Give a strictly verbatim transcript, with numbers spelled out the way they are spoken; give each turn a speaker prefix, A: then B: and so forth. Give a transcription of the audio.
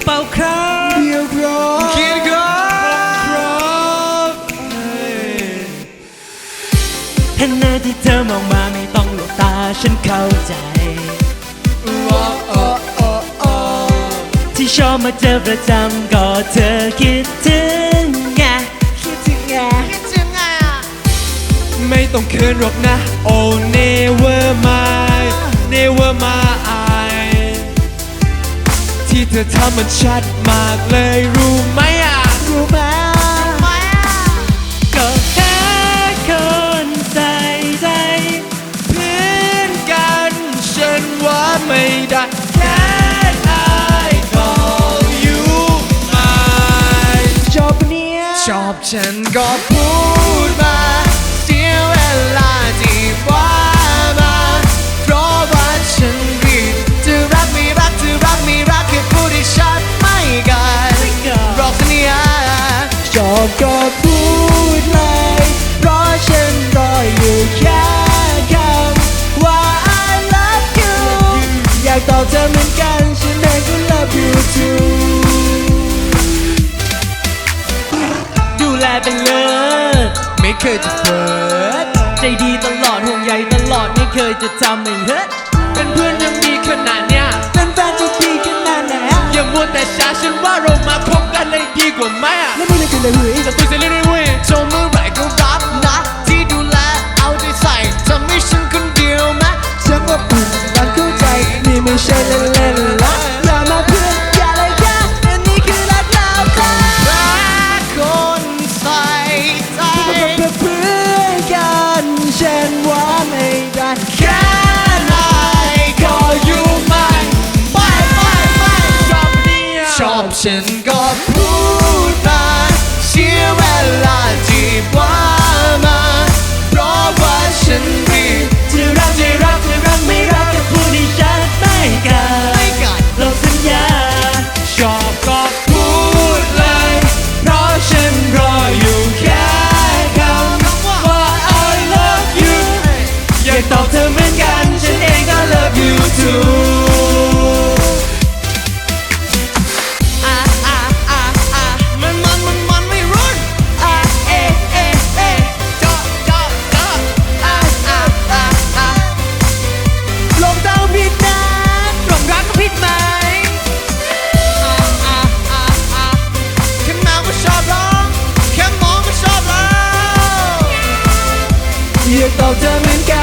A: เปล่าครับเดียวครับคิดครับถ้าหน้าที่เธอมองมาไม่ต้องหลบตาฉันเข้าใจที่ชอบมาเจอประจำก็เธอคิดถึงไงคิดถึงไงคิดถึงไงไม่ต้องเขินหรอกนะ Oh never mind never mind ที่เธอทำมันชัดมากเลยรู้ไหมอ่ะรู้ไหมก็แค่คนใส่ใจเพื่อนกันฉันว่าไม่ได้แค่ชอบฉันก็พูดมาเสียเวลาที่ว่ามาเพราะว่าฉันรีบจะรักไม่รักจะรักไม่รักแค่พูดให้ชัดไม่กันรอกสัญญาชอบก็พูดเลยเพราะฉันรออยู่แค่คำว่า I love you อยากตอบเธอเหมือนกันฉันเองก็ love you tooเป็นเลิศไม่เคยจะเปิดใจดีตลอดห่วงใยตลอดไม่เคยจะทำให้เฮิร์ตเป็นเพื่อนยังดีขนาดเนี้ยเป็นแฟนจะดีขนาดไหนอย่ามัวแต่ช้าฉันว่าเรามาคบกันเลยดีกว่าไหมแล้วมึงจะกินอะไรเว้ยจะคุยเสร็จเลยเว้ยโชว์เมื่อไหร่ก็รับนะที่ดูแลเอาใจใส่ทำให้ฉันคนเดียวนะฉันว่าปุ่นรักเข้าใจนี่ไม่ใช่เล่นๆละอย่ามาเพื่อนอย่าเลยแค่อันนี้คือรักเราค่ะเพื่อนกันฉันว่าไม่ได้แค่ไหนก็อยู่ไม่ไม่ไม่ไม่ชอบเนี่ยชอบฉันก็พูดมาเสียเวลาที่ว่ามาเพราะว่าฉันรีบจะรักจะรักจะรักไม่รักจะพูดให้ชัดไม่กันเราสัญญาชอบก็พูดเลยเพราะฉันรออยู่แค่อยากตอบเธอเหมือนกันฉันเองก็ love you too อ่ะอ่ะอ่ะอ่ะมันมันมันมันไม่รุ่นอ่ะเอ๊ะเอ๊ะเอ๊ะเจาะเจาะเจาะอ่ะอ่ะอ่ะอ่ะลงเดาผิดนะหลงรักก็ผิดไหมอ่ะอ่ะอ่ะอ่ะแค่เมาก็ชอบร้องแค่มองก็ชอบร้องอยากตอบเธอเหมือนกัน